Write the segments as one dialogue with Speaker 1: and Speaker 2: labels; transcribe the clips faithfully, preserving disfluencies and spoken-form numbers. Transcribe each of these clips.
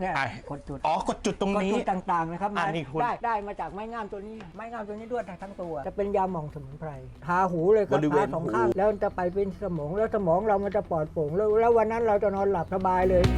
Speaker 1: เนี่ยกดจุด
Speaker 2: อ๋อกดจุดตรงนี้
Speaker 1: กดจุดต่างๆนะครับได้ได้มาจากไม้งามตัวนี้ไม้งามตัวนี้ด้วยทั้งตัวจะเป็นยาหม่องสมุนไพรทาหูเลยครับทาสองข้างแล้วจะไปเป็นสมองแล้วสมองเรามันจะปลอดโปร่งแล้วแล้ววันนั้นเราจะนอนหลับสบายเลย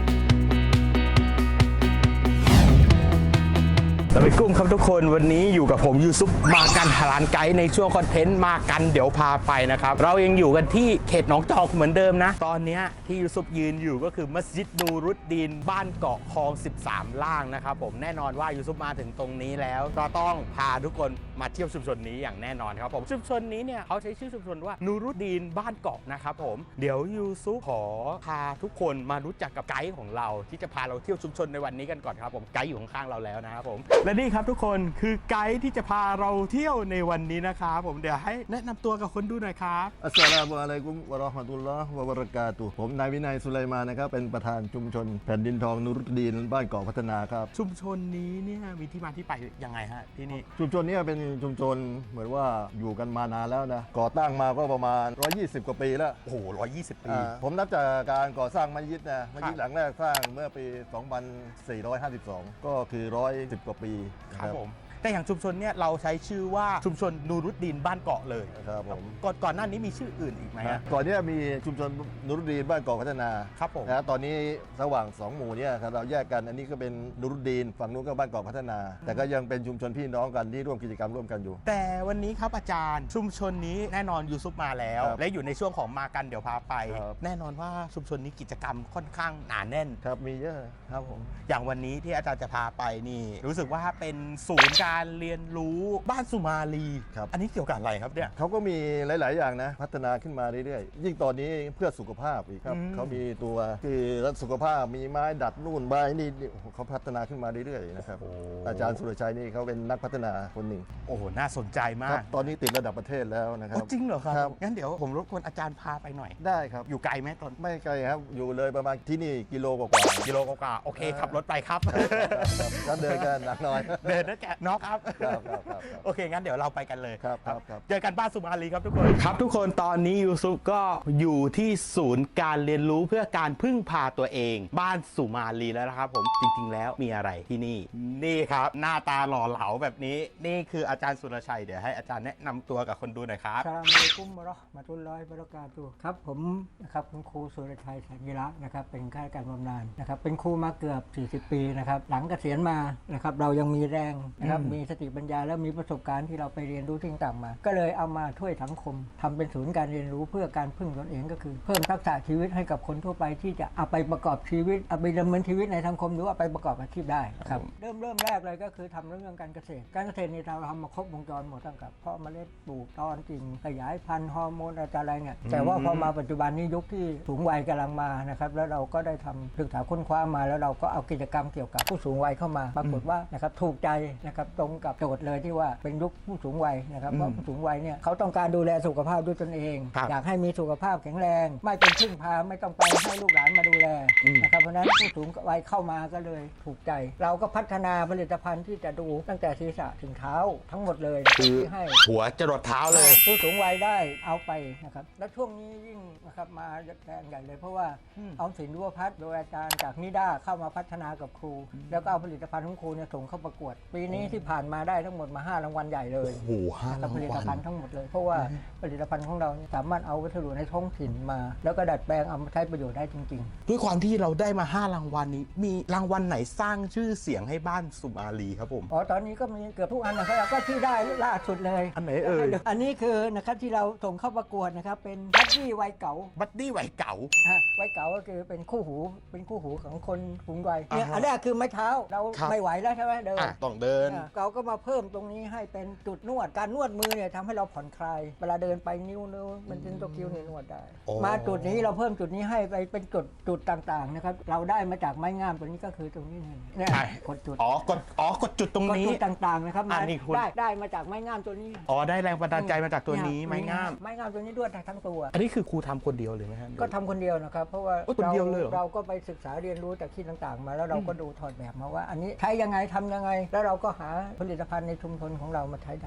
Speaker 2: สวัสดีกุ้งครับทุกคนวันนี้อยู่กับผมยูซุปมากันฮาลานไกด์ในช่วงคอนเทนต์มากันเดี๋ยวพาไปนะครับเรายังอยู่กันที่เขตหนองจอกเหมือนเดิมนะตอนนี้ที่ยูซุปยืนอยู่ก็คือมัสยิดนูรุดดีนบ้านเกาะคลองสิบสามล่างนะครับผมแน่นอนว่ายูซุปมาถึงตรงนี้แล้วก็ต้องพาทุกคนมาเที่ยวชุมชนนี้อย่างแน่นอนครับผมชุมชนนี้เนี่ยเขาใช้ชื่อชุมชนว่านูรุดดีนบ้านเกาะนะครับผมเดี๋ยวยูซุปขอพาทุกคนมารู้จักกับไกด์ของเราที่จะพาเราเที่ยวชุมชนในวันนี้กันก่อนครับผมไกด์อยู่ข้างๆเราแล้วนะครับผมและนี่ครับทุกคนคือไกด์ที่จะพาเราเที่ยวในวันนี้นะครับผมเดี๋ยวให้แนะนำตัวกับคนดูหน่อยครับ
Speaker 3: อัสสลามุอะลัยกุมวะเราะห์มะตุลลอฮ์วะบะเราะกาตุฮ์ผมนายวินัยสุไลมานนะครับเป็นประธานชุมชนแผ่นดินทองนูรุดดีนบ้านเกาะพัฒนาครับ
Speaker 2: ชุมชนนี้เนี่ยมีที่มาที่ไปยังไงฮะที่นี่
Speaker 3: ชุมชนนี้เป็นชุมชนเหมือนว่าอยู่กันมานานแล้วนะก่อตั้งมาก็ประมาณหนึ่งร้อยยี่สิบกว่าปีแล้ว
Speaker 2: โอ้โหหนึ่งร้อยยี่สิบปี
Speaker 3: ผมนับจากการก่อสร้างมัสยิดนะมัสยิดหลังแรกสร้างเมื่อปีสองพันสี่ร้อยห้าสิบสองก็คือหนึ่งร้อยสิบกว่าปี
Speaker 2: ครับผมแต่อย่างชุมชนเนี่ยเราใช้ชื่อว่าชุมชนนูรุดดีนบ้านเกาะเลย
Speaker 3: ครับผม
Speaker 2: ก่อนก่อนหน้านี้มีชื่ออื่นอีกไหมฮะ
Speaker 3: ก่อนนี้มีชุมชนนูรุดดีนบ้านเกาะพัฒนา
Speaker 2: ครับผม
Speaker 3: นะตอนนี้ระหว่างสองหมู่เนี่ยเราแยกกันอันนี้ก็เป็นนูรุดดีนฝั่งนู้นก็บ้านเกาะพัฒนาแต่ก็ยังเป็นชุมชนพี่น้องกันที่ร่วมกิจกรรมร่วมกันอยู่
Speaker 2: แต่วันนี้ครับอาจารย์ชุมชนนี้แน่นอนยูซุปมาแล้วและอยู่ในช่วงของมากันเดี๋ยวพาไปแน่นอนว่าชุมชนนี้กิจกรรมค่อนข้างหนาแน่น
Speaker 3: ครับมีเยอะครับผม
Speaker 2: อย่างวันนี้ที่อาจารย์จะพาไปนี่รู้สึกว่าเป็นศูนย์การเรียนรู้บ้านสุมาลี
Speaker 3: ครับ
Speaker 2: อันนี้เกี่ยวกับอะไรครับเนี่ย
Speaker 3: เขาก็มีหลาย ๆ อย่างนะพัฒนาขึ้นมาเรื่อย ๆ ยิ่งตอนนี้เพื่อสุขภาพอีกครับเขามีตัวคือรักสุขภาพมีไม้ดัดนู่นไม้นี่เขาพัฒนาขึ้นมาเรื่อย ๆ นะครับอาจารย์สุรชัยนี่เขาเป็นนักพัฒนาคนหนึ่ง
Speaker 2: โอ้โหน่าสนใจมาก
Speaker 3: ตอนนี้ติดระดับประเทศแล้วนะครับ
Speaker 2: จริงเหรอครับงั้นเดี๋ยวผมรบกวนอาจารย์พาไปหน่อย
Speaker 3: ได้ครับ
Speaker 2: อยู่ไกลไหมตอน
Speaker 3: ไม่ไกลครับอยู่เลยประมาณที่นี่กิโลกว่า
Speaker 2: กิโลกว่าโอเคขับรถไปครับ
Speaker 3: ก็เดินกันหนักหน่อย
Speaker 2: เดินนั่นแกน้องครับโอเคงั้นเดี๋ยวเราไปกันเลย
Speaker 3: ครับครับ
Speaker 2: เจอกันบ้านสุมาลีครับทุกคนครับทุกคนตอนนี้ยูซุปก็อยู่ที่ศูนย์การเรียนรู้เพื่อการพึ่งพาตัวเองบ้านสุมาลีแล้วนะครับผมจริงๆแล้วมีอะไรที่นี่นี่ครับหน้าตาหล่อเหลาแบบนี้นี่คืออาจารย์สุรชัยเดี๋ยวให้อาจารย์แนะนำตัวกับคนดูหน่อยครับ
Speaker 1: อัสสลามุอะลัยกุมวะเราะห์มะตุลลอฮิวะบะเราะกาตุฮ์ครับผมนะครับคุณครูสุรชัยสัญลักษณ์นะครับเป็นข้าราชการบำนาญนะครับเป็นครูมาเกือบสี่สิบปีนะครับหลังเกษียณมานะครับเรายังมีแรงนะครับมีสติปัญญาและมีประสบการณ์ที่เราไปเรียนรู้ที่ต่างมาก็เลยเอามาช่วยสังคมทำเป็นศูนย์การเรียนรู้เพื่อการพึ่งตนเองก็คือเพิ่มทักษะชีวิตให้กับคนทั่วไปที่จะเอาไปประกอบชีวิตเอาไปดำเนินชีวิตในสังคมหรือว่าไปประกอบอาชีพได้ครับเริ่มเริ่มแรกเลยก็คือทำเรื่องการเกษตรการเกษตรนี่เราทำมาครบวงจรหมดตั้งแต่เพาะเมล็ดปลูกตอนกิ่งขยายพันธุ์ฮอร์โมนอะไรเนี่ยแต่ว่าพอมาปัจจุบันนี้ยุคที่สูงวัยกำลังมานะครับแล้วเราก็ได้ทำศึกษาค้นคว้ามาแล้วเราก็เอากิจกรรมเกี่ยวกับผู้สูงวัยเข้ามาปรากฏว่านะครับถูกใจนะครับตรงกับโจทย์เลยที่ว่าเป็นยุคผู้สูงวัยนะครับเพราะผู้สูงวัยเนี่ยเขาต้องการดูแลสุขภาพด้วยตนเองอยากให้มีสุขภาพแข็งแรงไม่เป็นพึ่งพาไม่ต้องไปให้ลูกหลานมาดูแลนะครับเพราะนั้นผู้สูงวัยเข้ามาก็เลยถูกใจเราก็พัฒนาผลิตภัณฑ์ที่จะดูตั้งแต่ศีรษะถึงเท้าทั้งหมดเลย
Speaker 2: คือให้หัวจรดเท้าเลย
Speaker 1: ผู้สูงวัยได้เอาไปนะครับและช่วงนี้ยิ่งนะครับมาแรงใหญ่เลยเพราะว่าออมสินยุวพัฒน์โดยอาจารย์จากนิด้าเข้ามาพัฒนากับครูแล้วก็เอาผลิตภัณฑ์ของครูเนี่ยส่งเข้าประกวดปีนี้ที่ผ่านมาได้ทั้งหมดมาห้ารางวัลใหญ่เลย
Speaker 2: โอ้โหห้ารางวัล
Speaker 1: ผลิตภัณฑ์ทั้งหมดเลยเพราะว่าผลิตภัณฑ์ของเราสามารถเอาวัสดุในท้องถิ่นมาแล้วก็ดัดแปลงเอามาใช้ประโยชน์ได้จริง
Speaker 2: ๆด้วยความที่เราได้มาห้ารางวัลนี้มีรางวัลไหนสร้างชื่อเสียงให้บ้านสุมาลีครับผม
Speaker 1: อ๋อตอนนี้ก็มีเกือบทุกอันนะครับก็ที่ได้ล่าสุดเลย
Speaker 2: อันไหนเอ่ย
Speaker 1: อันนี้คือนะครับที่เราส่งเข้าประกวดนะครับเป็นบัดดี้วัยเก๋า
Speaker 2: บัดดี้วัยเก๋า
Speaker 1: วัยเก๋าก็คือเป็นคู่หูเป็นคู่หูของคนสูงวัยเนี่ยอันแรกคือไม้เท้าเราไม่ไหวแล้วใช่ไหมเดิน
Speaker 2: ต้องเดิน
Speaker 1: เราก็มาเพิ่มตรงนี้ให้เป็นจุดนวดการนวดมือเนี่ยทำให้เราผ่อนคลายเวลาเดินไปนิ้วนิ้วมันเป็นตัวคิ้วเนี่ยนวดได้มาจุดนี้เราเพิ่มจุดนี้ให้ไปเป็นจุดจุดต่างๆนะครับเราได้มาจากไม้งามตัวนี้ก็คือตรงนี้เนี่ยกดจุด
Speaker 2: อ๋อกดอ๋อกดจุดตรงนี้
Speaker 1: จุดต่างๆนะครับได้ได้มาจากไม้งามตัวนี้
Speaker 2: อ๋อได้แรงบันดาลใจมาจากตัวนี้ไม้งาม
Speaker 1: ไม้งามตัวนี้ด้วยทั้งตัว
Speaker 2: อันนี้คือครูทำคนเดียวเลยไหมครับ
Speaker 1: ก็ทำคนเดียวนะครับเพราะว่า
Speaker 2: เรา
Speaker 1: เราก็ไปศึกษาเรียนรู้จากที่ต่างๆมาแล้วเราก็ดูถอดแบบมาว่าอันนี้ใช้ยังไงทำยังไงแล้วเราก็หาผลิตภัณฑ์ในชุมชนของเรามาใช้ได้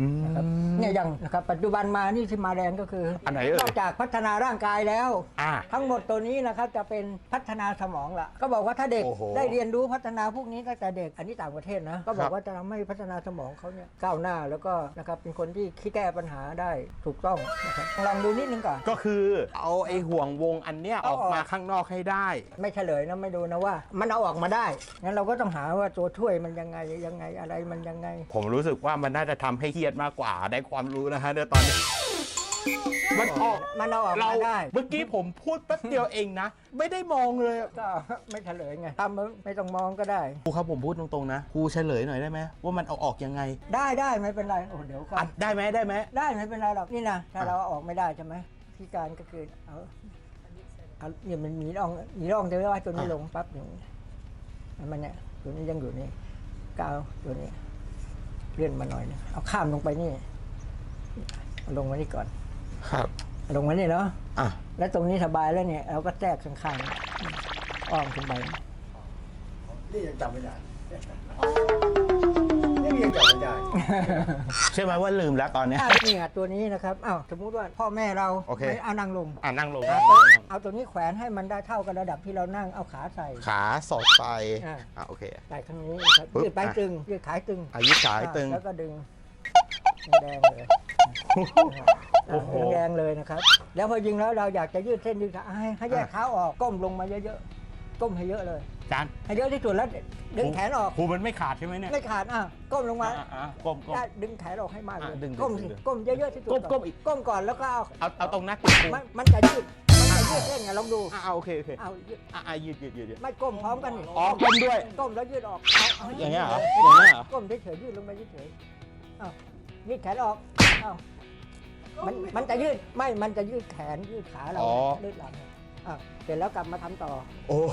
Speaker 1: นะครับเนี่ยอย่างนะครับปัจจุบันมานี่ที่มาแรงก็คืออน
Speaker 2: ไหนเอ่ย
Speaker 1: นอกจากพัฒนาร่างกายแล้ว
Speaker 2: อ่า
Speaker 1: ทั้งหมดตัวนี้นะครับจะเป็นพัฒนาสมองละก็บอกว่าถ้าเด็ก
Speaker 2: โอ้โห
Speaker 1: ได้เรียนรู้พัฒนาพวกนี้ตั้งแต่เด็กอันนี้ต่างประเทศนะก็บอ
Speaker 2: ครั
Speaker 1: ก
Speaker 2: บ
Speaker 1: ว่าจะทำให้พัฒนาสมองเขาเนี่ยก้าวหน้าแล้วก็นะครับเป็นคนที่คิดแก้ปัญหาได้ถูกต้องนะครับลองดูนิดนึงก่อน
Speaker 2: ก็คือเอาไอ้ห่วงวงอันเนี้ยอ
Speaker 1: เอา
Speaker 2: อก
Speaker 1: ออก
Speaker 2: มาข้างนอกให้ได้
Speaker 1: ไม่เฉลยนะไม่ดูนะว่า มันเอาออกมาได้งั้นเราก็ต้องหาว่าตัวช่วยมันยังไงยังไงอะไรมันยังไง
Speaker 2: ผมรู้สึกว่ามันน่าจะทำให้เครียดมากกว่าได้ความรู้นะฮะในตอนนี้ มันออก
Speaker 1: มันเอาออก
Speaker 2: เรา
Speaker 1: มาได้
Speaker 2: เมื่อกี้ผมพูดแป๊บเดียวเองนะ ไม่ได้มองเลย
Speaker 1: ก็ไม่เฉลยไงทำไม่ต้องมองก็ได้
Speaker 2: ครูครับผมพูดตรงๆนะครูเฉลยหน่อยได้ไหมว่ามันเอาออกยังไง
Speaker 1: ได้ได้ไม่เป็นไรโอ้เดี๋ยวก่อ
Speaker 2: อ่ะ
Speaker 1: น
Speaker 2: ได้ไหมได้ไหม
Speaker 1: ได้ไม่เป็นไรหรอกนี่นะถ้าเราเอาออกไม่ได้ใช่ไหมพิการก็คือเอาเอาเนี่ยมันมีร่องมีร่องแต่ว่าตัวนี้ลงปั๊บอย่างนี้มันเนี่ยตัวนี้ยังอยู่นี่ก้าวตัวนี้เลื่อนมาหน่อยนึงเอาข้ามลงไปนี่เอาลงมานี่ก่อน
Speaker 2: ครับ
Speaker 1: เอาลงมานี่เนาะ
Speaker 2: อ่ะ
Speaker 1: แล้วตรงนี้สบายแล้วเนี่ยเราก็แทรกข้างๆอ้อมขึ้นไปนี่ยังจำไม่ได้นี่ยังจำไม่ได้
Speaker 2: ใช่ไหมว่าลืมแล้วตอนเนี้ย
Speaker 1: อ่ะนี่อ่ะตัวนี้นะครับอ้าวสมมุติว่าพ่อแม่เรา
Speaker 2: โอเค
Speaker 1: ไม่เอานั่งลง
Speaker 2: อ่ะนั่งลง
Speaker 1: เอาตัวเอาตัวนี้แขวนให้มันได้เท่ากับระดับที่เรานั่งเอาขาใส่
Speaker 2: ขาสอดไป
Speaker 1: อ่ะ
Speaker 2: อ่ะโอเค
Speaker 1: ใส่ข้างนี้นะครับ
Speaker 2: ปึ๊บ
Speaker 1: ยืดไป
Speaker 2: อ่ะ
Speaker 1: ตึงยืดขายตึง
Speaker 2: อายุขายตึง
Speaker 1: แล้วก็ดึงแดงเลย
Speaker 2: โอ้โห
Speaker 1: แดงเลยนะครับ แล้วพอยิงแล้วเราอยากจะยืดเส้นยืดขาให้ให้แยกเท้าออกก้มลงมาเยอะๆก้มให้เยอะเลย
Speaker 2: จาน
Speaker 1: ให้เยอะที่สุดแล้วดึงแขนออก
Speaker 2: ครูมันไม่ขาดใช่ไหมเนี่ย
Speaker 1: ไม่ขาดอ่ะก้มลงมา
Speaker 2: อ่ะอ่ะก้มก้ม
Speaker 1: ได้ดึงแขนออกให้มากเลย
Speaker 2: อ่ะดึง
Speaker 1: ก้ม
Speaker 2: ดึ
Speaker 1: สิ
Speaker 2: งดึง
Speaker 1: ก้มเยอะๆที่สุด
Speaker 2: ก้ม
Speaker 1: อน
Speaker 2: ก้มอีก
Speaker 1: ก้มก่อนแล้วก็เอา
Speaker 2: เอาเอาตรงหน้าติดครู
Speaker 1: มันมันจะยืดมันจะยืดเส้นไงลองดู
Speaker 2: อ่ะเอาโอเคโอเค
Speaker 1: เอายืด
Speaker 2: อ่ะอ่ะยืดยืดยืดยืด
Speaker 1: ไม่ก้มพร้อมกันนี่
Speaker 2: อ๋อก้มด้วย
Speaker 1: ก้มแล้วยืดออกเอาเอาให้
Speaker 2: อย่างเงี้ยเหรอ
Speaker 1: ไม่
Speaker 2: อย่างเงี้ยเหรอ
Speaker 1: ก้มเฉยๆยืดลงไปเฉยๆเอายืดแขนออกเอามันมันจะยืดไม่มันจะยืดแขนยืดขาเรา
Speaker 2: อ๋อ
Speaker 1: ยืดหลังอ่ะเสร็จแล้วกลับมาทำต่อ
Speaker 2: โอ้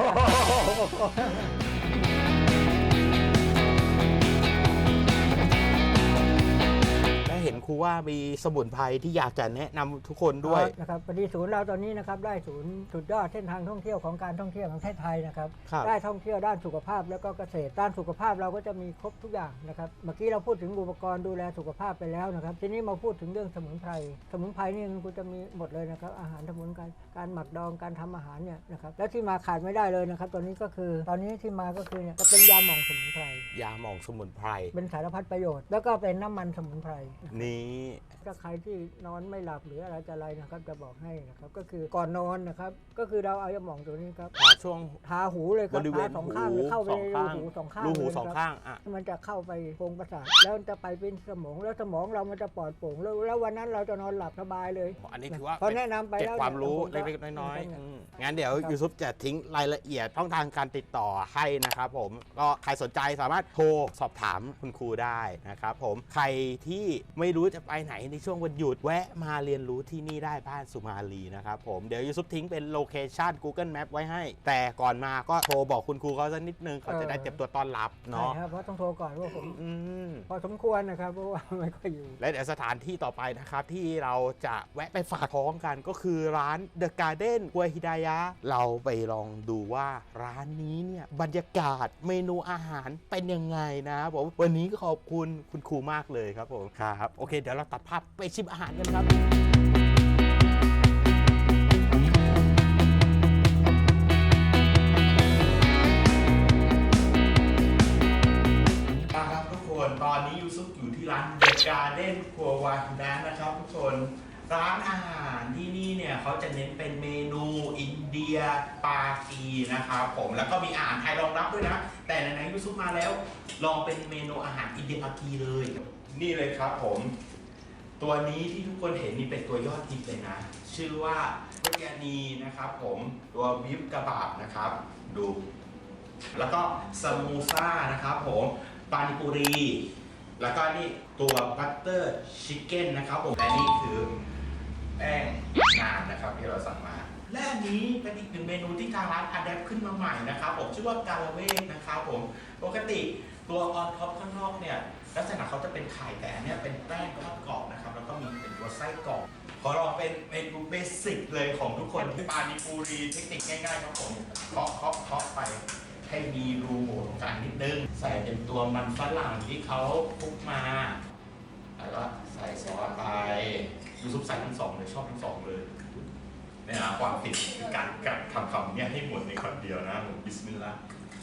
Speaker 2: และเห็นครูว่ามีสมุนไพรที่อยากจะแนะนำทุกคนด้วย
Speaker 1: นะครับพอดีศูนย์เราตอนนี้นะครับได้ศูนย์สุดยอดเส้นทางท่องเที่ยวของการท่องเที่ยวของประเทศไทยนะครับ
Speaker 2: ครับ
Speaker 1: ได้ท่องเที่ยวด้านสุขภาพแล้วก็เกษตรด้านสุขภาพเราก็จะมีครบทุกอย่างนะครับเมื่อกี้เราพูดถึงอุปกรณ์ดูแลสุขภาพไปแล้วนะครับทีนี้มาพูดถึงเรื่องสมุนไพรสมุนไพรนี่มันจะมีหมดเลยนะครับอาหารสมุนไพรการหมักดองการทำอาหารเนี่ยนะครับแล้วที่มาขาดไม่ได้เลยนะครับตอนนี้ก็คือตอนนี้ที่มาก็คือเนี่ยจะเป็นยาหม่องสมุนไพร
Speaker 2: ยาหมองสมุนไพร
Speaker 1: เป็นสารพัดประโยชน์แล้วก็เป็นน้ำมันสมุนไพร
Speaker 2: นี้
Speaker 1: ถ้าใครที่นอนไม่หลับหรืออะไรจะอะไรนะครับจะบอกให้นะครับก็คือก่อนนอนนะครับก็คือเราเอายาหม่องตัวนี้ครับ
Speaker 2: อ่าช่วง
Speaker 1: ทาหูเลยครับ
Speaker 2: บริเวณ
Speaker 1: ทาสองข้างเลยเข้าไป
Speaker 2: สอง
Speaker 1: ใน
Speaker 2: ข้าง
Speaker 1: รูหูสองข้าง
Speaker 2: รูหู
Speaker 1: เลย
Speaker 2: สอง
Speaker 1: นะครับ
Speaker 2: ข้างอ่ะ
Speaker 1: มันจะเข้าไปโพรงประสาทแล้วมันจะไปเป็นสมองแล้วสมองเรามันจะปลอดโปร่งแล้วแล้ววันนั้นเราจะนอนหลับสบายเลย
Speaker 2: อันนี้ถือว่า
Speaker 1: พอแนะนำไป
Speaker 2: เก็บ
Speaker 1: แล้ว
Speaker 2: ความรู้
Speaker 1: นี่ย
Speaker 2: เล็กๆน้อย
Speaker 1: ผม
Speaker 2: ๆ
Speaker 1: ก็
Speaker 2: อืมงั้นเดี๋ยวยูซุปจะทิ้งรายละเอียดช่องทางการติดต่อให้นะครับผมก็ใครสนใจสามารถโทรสอบถามคุณครูได้นะครับผมใครที่ไม่รู้จะไปไหนในช่วงวันหยุดแวะมาเรียนรู้ที่นี่ได้บ้านสุมาลีนะครับผมเดี๋ยวยูซุปทิ้งเป็นโลเคชัน Google Map ไว้ให้ แต่ก่อนมาก็โทรบอกคุณครูเขาสักนิดนึงเขาจะได้เตรียมตัวต้อนรับ
Speaker 1: ใช่
Speaker 2: เนาะ
Speaker 1: ครับเพราะต้องโทรก่อนว่าผม
Speaker 2: อืม
Speaker 1: พอสมควรนะครับเพราะว่าไม่ค่อยอยู่
Speaker 2: และเดี๋ยวสถานที่ต่อไปนะครับที่เราจะแวะไปฝากท้องกันก็คือร้าน The Garden กัวฮิดายะเราไปลองดูว่าร้านนี้เนี่ยบรรยากาศเมนูอาหารเป็นยังไงนะครับผมวันนี้ก็ขอบคุณคุณครูมากเลยครับผมครับโอเคเดี๋ยวเราตัดภาพไปชิมอาหารกันครับครับทุกคนตอนนี้ยูซุปอยู่ที่ร้าน The Garden กัววาฮิดะนะครับทุกคนร้านอาหารที่นี่เนี่ยเขาจะเน้นเป็นเมนูอินเดียปากีนะครับผมแล้วก็มีอาหารไทยรองรับด้วยนะแต่ไหนๆยูซุปมาแล้วลองเป็นเมนูอาหารอินเดียปากีเลยนี่เลยครับผมตัวนี้ที่ทุกคนเห็นนี่เป็นตัวยอดฮิตเลยนะชื่อว่าบิรยานีนะครับผมตัวบิฟกะบาบนะครับดูแล้วก็ซามูซ่านะครับผมปานิปุรีแล้วก็นี่ตัวบัตเตอร์ชิคเก้นนะครับผมและนี่คือแป้งนานนะครับที่เราสั่งมาและอันนี้เป็นอีกหนึ่งเมนูที่ทางร้านอัดแอปขึ้นมาใหม่นะครับผมชื่อว่ากาลาเวกนะครับผมปกติตัวออนท็อปข้างนอกเนี่ยลักษณะเขาจะเป็นไข่แต่อันเนี่ยเป็นแป้งทอดกรอบนะครับแล้วก็มีเป็นตัวไส้กรอบขอลองเป็นเมนูเบสิกเลยของทุกคนที่ปานิปุรีเทคนิคง่ายๆครับผมเคาะเคาะเคาะไปให้มีรูโหว่ตรงกลางนิดนึงใส่เป็นตัวมันฝรั่งที่เขาคลุกมาอะไรซอสไปยูซุปใส่ทั้งสองเลยชอบทั้งสองเลยเนี่ยนะความติดคือการกัดคำคำเนี่ยให้หมดในคำเดียวนะผมบิสมิลลาห์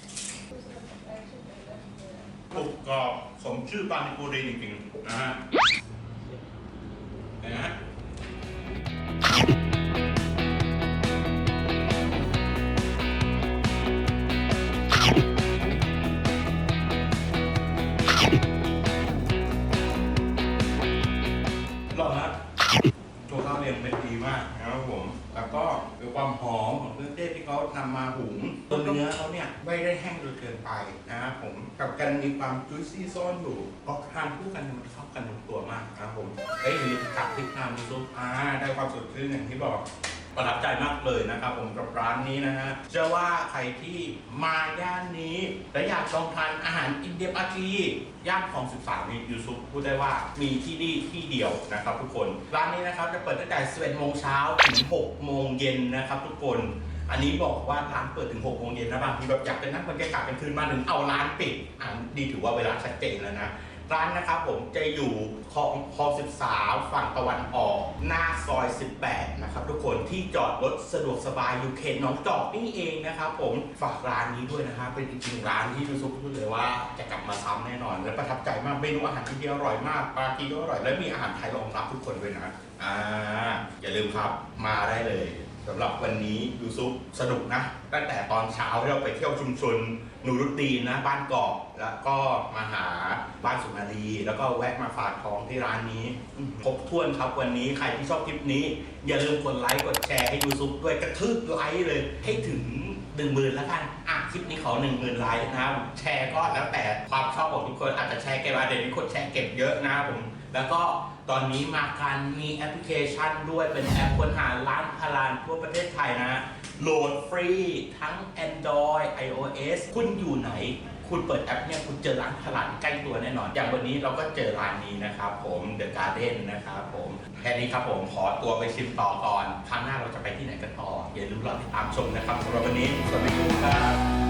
Speaker 2: กรุบกรอบสมชื่อปานิปุรีจริงๆนะฮะนะฮะหล่อนะตัวข้าวเรียงเม็ดดีมากนะครับผมแล้วก็มีความหอมของเครื่องเทศที่เขานำมาหุงตัวเนื้อเขาเนี่ยไม่ได้แห้งจนเกินไปนะครับผมกับกันมีความจุยซี่ซ่อนอยู่พอทานคู่กันมันเข้ากันลงตัวมากนะครับผมเอ้ยมีกัดพริกน้ำซุปอ่าได้ความสดชื่นอย่างที่บอกประทับใจมากเลยนะครับผมกับร้านนี้นะฮะเชื่อว่าใครที่มาย่านนี้และอยากลองทานอาหารอินเดียปากีย่านของสิบสามนี่ยูซุปพูดได้ว่ามีที่นี่ที่เดียวนะครับทุกคนร้านนี้นะครับจะเปิดตั้งแต่สิบเอ็ดโมงเช้าถึงหกโมงเย็นนะครับทุกคนอันนี้บอกว่าร้านเปิดถึงหกโมงเย็นนะบางทีแบบอยากเป็นนักบรรยากาศกลางคืนมาถึงเอาร้านปิดอ่าดีถือว่าเวลาชัดเจนแล้วนะร้านนะครับผมจะอยู่คลองคลองสิบสามฝั่งตะวันออกหน้าซอยสิบแปดนะครับทุกคนที่จอดรถสะดวกสบายอยู่เขตหนองจอกนี่เองนะครับผมฝากร้านนี้ด้วยนะครับเป็นจริงๆร้านที่ยูซุปพูดเลยว่าจะกลับมาซ้ำแน่นอนและประทับใจมากเมนูอาหารที่อร่อยมากปากีก็อร่อยและมีอาหารไทยรองรับทุกคนด้วยนะอ่าอย่าลืมครับมาได้เลยสำหรับวันนี้ยูซุปสนุกนะตั้งแต่ตอนเช้าที่เราไปเที่ยวชุมชนนูรุดดีนนะบ้านเกาะแล้วก็มาหาบ้านสุนารีแล้วก็แวะมาฝากท้องที่ร้านนี้ครบถ้วนครับวันนี้ใครที่ชอบคลิปนี้อย่าลืมกดไลค์กดแชร์ให้ยูซุปด้วยกระทืบไลค์เลยให้ถึงหนึ่งหมื่นแล้วกันอ่ะคลิปนี้ขอหนึ่งหมื่นไลค์นะครับแชร์ก็แล้วแต่ความชอบของทุกคนอาจจะแชร์เก็บอาเดี๋ยวนี้คนแชร์เก็บเยอะนะครับผมแล้วก็ตอนนี้มากันมีแอปพลิเคชันด้วยเป็นแอปค้นหาร้านพารานทั่วประเทศไทยนะโหลดฟรีทั้ง Android ไอ โอ เอส คุณอยู่ไหนคุณเปิดแอปเนี่ยคุณเจอร้านพารานใกล้ตัวแน่นอนอย่างวันนี้เราก็เจอร้านนี้นะครับผม The Garden นะครับผมแค่นี้ครับผมขอตัวไปชิมต่อก่อนครั้งหน้าเราจะไปที่ไหนกันต่ออย่าลืมรอติดตามชมนะครับสำหรับวันนี้สวัสดีครับ